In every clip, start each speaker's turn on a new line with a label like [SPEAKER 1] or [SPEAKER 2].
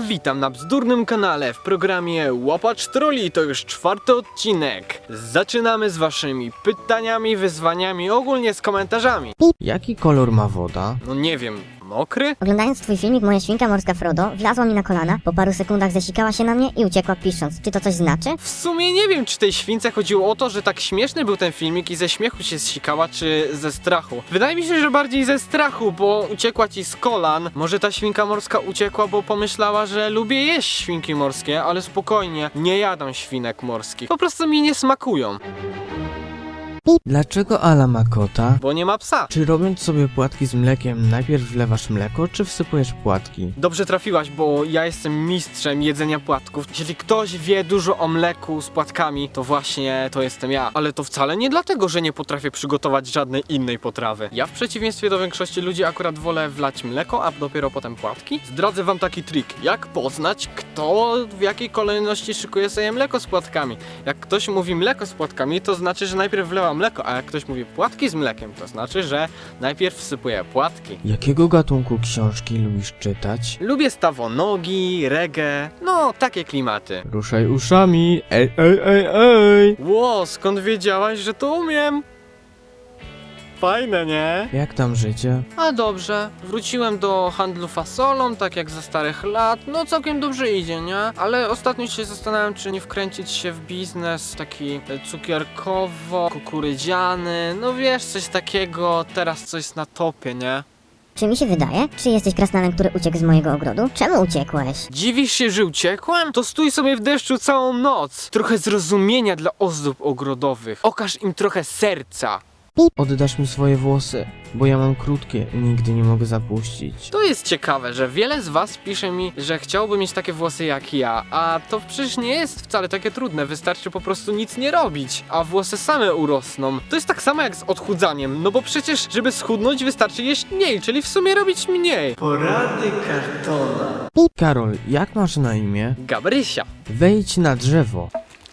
[SPEAKER 1] Witam na bzdurnym kanale w programie Łapacz Trolli, to już 4. odcinek. Zaczynamy z waszymi pytaniami, wyzwaniami, ogólnie z komentarzami.
[SPEAKER 2] Jaki kolor ma woda?
[SPEAKER 1] No nie wiem, mokry?
[SPEAKER 3] Oglądając twój filmik, moja świnka morska Frodo wlazła mi na kolana, po paru sekundach zesikała się na mnie i uciekła pisząc. Czy to coś znaczy?
[SPEAKER 1] W sumie nie wiem, czy tej śwince chodziło o to, że tak śmieszny był ten filmik i ze śmiechu się zsikała, czy ze strachu. Wydaje mi się, że bardziej ze strachu, bo uciekła ci z kolan. Może ta świnka morska uciekła, bo pomyślała, że lubię jeść świnki morskie, ale spokojnie, nie jadam świnek morskich. Po prostu mi nie smakują,
[SPEAKER 2] Dlaczego Ala ma kota?
[SPEAKER 1] bo nie ma psa.
[SPEAKER 2] Czy robiąc sobie płatki z mlekiem, najpierw wlewasz mleko, czy wsypujesz płatki?
[SPEAKER 1] Dobrze trafiłaś, bo ja jestem mistrzem jedzenia płatków. Jeśli ktoś wie dużo o mleku z płatkami, to właśnie to jestem ja. Ale to wcale nie dlatego, że nie potrafię przygotować żadnej innej potrawy. Ja w przeciwieństwie do większości ludzi akurat wolę wlać mleko, a dopiero potem płatki. Zdradzę wam taki trik, jak poznać, kto w jakiej kolejności szykuje sobie mleko z płatkami. Jak ktoś mówi mleko z płatkami, to znaczy, że najpierw wlewa mleko, a jak ktoś mówi płatki z mlekiem, to znaczy, że najpierw wsypuje płatki.
[SPEAKER 2] Jakiego gatunku książki lubisz czytać?
[SPEAKER 1] Lubię stawonogi, reggae, no takie klimaty.
[SPEAKER 2] Ruszaj uszami, ej, ej, ej, ej!
[SPEAKER 1] Ło, skąd wiedziałaś, że to umiem? Fajne, nie?
[SPEAKER 2] Jak tam życie?
[SPEAKER 1] A dobrze, wróciłem do handlu fasolą, tak jak za starych lat, no całkiem dobrze idzie, nie? Ale ostatnio się zastanawiam, czy nie wkręcić się w biznes taki cukierkowo-kukurydziany, no wiesz, coś takiego, teraz coś na topie, nie?
[SPEAKER 3] Czy mi się wydaje? Czy jesteś krasnalem, który uciekł z mojego ogrodu? Czemu uciekłeś?
[SPEAKER 1] Dziwisz się, że uciekłem? To stój sobie w deszczu całą noc. Trochę zrozumienia dla ozdób ogrodowych. Okaż im trochę serca.
[SPEAKER 2] Oddasz mi swoje włosy, bo ja mam krótkie i nigdy nie mogę zapuścić.
[SPEAKER 1] To jest ciekawe, że wiele z was pisze mi, że chciałby mieć takie włosy jak ja, a to przecież nie jest wcale takie trudne, wystarczy po prostu nic nie robić, a włosy same urosną. To jest tak samo jak z odchudzaniem, no bo przecież, żeby schudnąć, wystarczy jeść mniej, czyli w sumie robić mniej. Porady kartona.
[SPEAKER 2] Karol, jak masz na imię?
[SPEAKER 1] Gabrysia.
[SPEAKER 2] Wejdź na drzewo.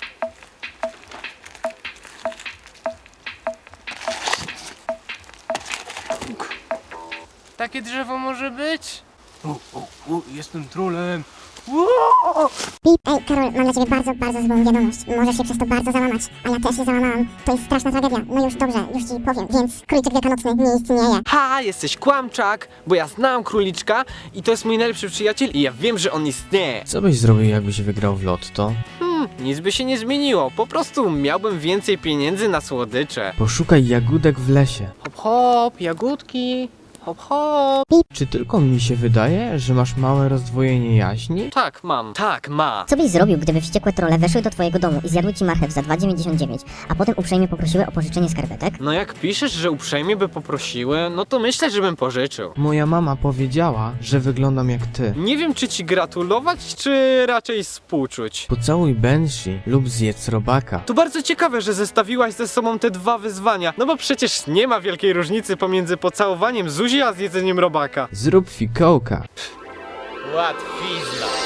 [SPEAKER 1] Takie drzewo może być? Jestem trolem.
[SPEAKER 4] Ej, Karol, mam dla ciebie bardzo, bardzo złą wiadomość. Możesz się przez to bardzo załamać, a ja też się załamałam. To jest straszna tragedia. No już dobrze, już ci powiem, więc króliczek wielkanocny nie istnieje.
[SPEAKER 1] Ha, jesteś kłamczak, bo ja znam króliczka i to jest mój najlepszy przyjaciel i ja wiem, że on istnieje.
[SPEAKER 2] Co byś zrobił, jakbyś wygrał w lotto?
[SPEAKER 1] Nic by się nie zmieniło, po prostu miałbym więcej pieniędzy na słodycze.
[SPEAKER 2] Poszukaj jagódek w lesie.
[SPEAKER 1] Hop hop, jagódki, hop hop.
[SPEAKER 2] Czy tylko mi się wydaje, że masz małe rozdwojenie jaźni?
[SPEAKER 1] Tak, mam. Tak, ma.
[SPEAKER 3] Co byś zrobił, gdyby wściekłe trolle weszły do twojego domu i zjadły ci marchew za 2,99, a potem uprzejmie poprosiły o pożyczenie skarpetek?
[SPEAKER 1] No jak piszesz, że uprzejmie by poprosiły, no to myślę, że bym pożyczył.
[SPEAKER 2] Moja mama powiedziała, że wyglądam jak ty.
[SPEAKER 1] Nie wiem, czy ci gratulować, czy raczej współczuć.
[SPEAKER 2] Pocałuj Banshee lub zjedz robaka.
[SPEAKER 1] To bardzo ciekawe, że zestawiłaś ze sobą te dwa wyzwania, no bo przecież nie ma wielkiej różnicy pomiędzy pocałowaniem Zuzi a zjedzeniem robaka.
[SPEAKER 2] Zrób fikołka.
[SPEAKER 1] Łatwizna.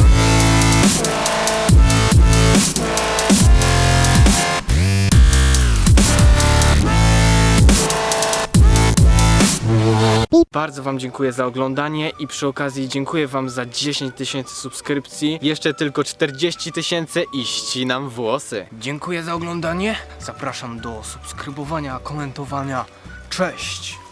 [SPEAKER 1] Bardzo wam dziękuję za oglądanie i przy okazji dziękuję wam za 10 000 subskrypcji. Jeszcze tylko 40 000 i ścinam włosy. Dziękuję za oglądanie. Zapraszam do subskrybowania, komentowania. Cześć!